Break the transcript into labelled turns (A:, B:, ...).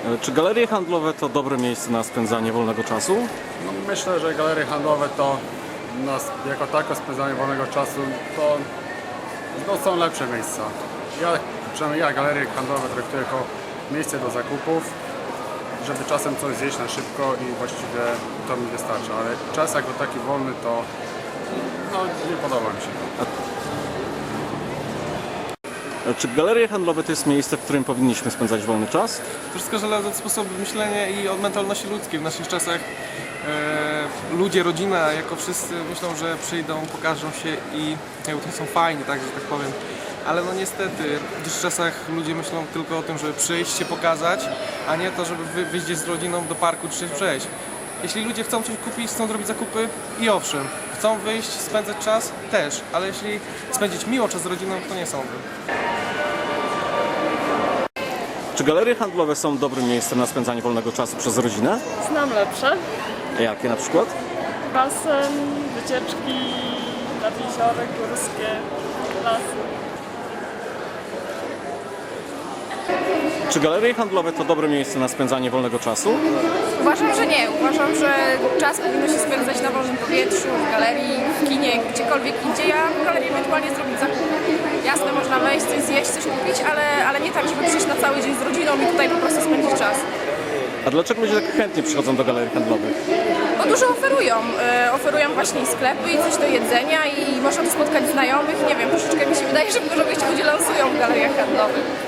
A: Czy galerie handlowe to dobre miejsce na spędzanie wolnego czasu?
B: No, myślę, że galerie handlowe to jako tako spędzanie wolnego czasu to są lepsze miejsca. Przynajmniej ja galerie handlowe traktuję jako miejsce do zakupów, żeby czasem coś zjeść na szybko i właściwie to mi wystarcza, ale czas jako taki wolny to nie podoba mi się.
A: Czy galerie handlowe to jest miejsce, w którym powinniśmy spędzać wolny czas?
C: To wszystko zależy od sposobu myślenia i od mentalności ludzkiej. W naszych czasach ludzie, rodzina, jako wszyscy myślą, że przyjdą, pokażą się i to są fajni, tak, że tak powiem. Ale no niestety, w dzisiejszych czasach ludzie myślą tylko o tym, żeby przyjść, się pokazać, a nie to, żeby wyjść z rodziną do parku czy przejść. Jeśli ludzie chcą coś kupić, chcą zrobić zakupy i owszem, chcą wyjść, spędzać czas też, ale jeśli spędzić miło czas z rodziną, to nie sądzę.
A: Czy galerie handlowe są dobrym miejscem na spędzanie wolnego czasu przez rodzinę?
D: Znam lepsze.
A: Jakie na przykład?
D: Basen, wycieczki nad jeziory górskie, lasy.
A: Czy galerie handlowe to dobre miejsce na spędzanie wolnego czasu?
E: Uważam, że nie. Uważam, że czas powinno się spędzać na wolnym powietrzu, w galerii, w kinie, gdziekolwiek indziej, a w galerii ewentualnie zrobić zakup. Jasne, można wejść, coś zjeść, coś kupić, ale nie tak, żeby przyjść na cały dzień z rodziną i tutaj po prostu spędzić czas.
A: A dlaczego ludzie tak chętnie przychodzą do galerii handlowych?
E: Bo dużo oferują. Oferują właśnie i sklepy, i coś do jedzenia, i można tu spotkać znajomych. Nie wiem, troszeczkę mi się wydaje, że dużo gości ludzie lansują w galeriach handlowych.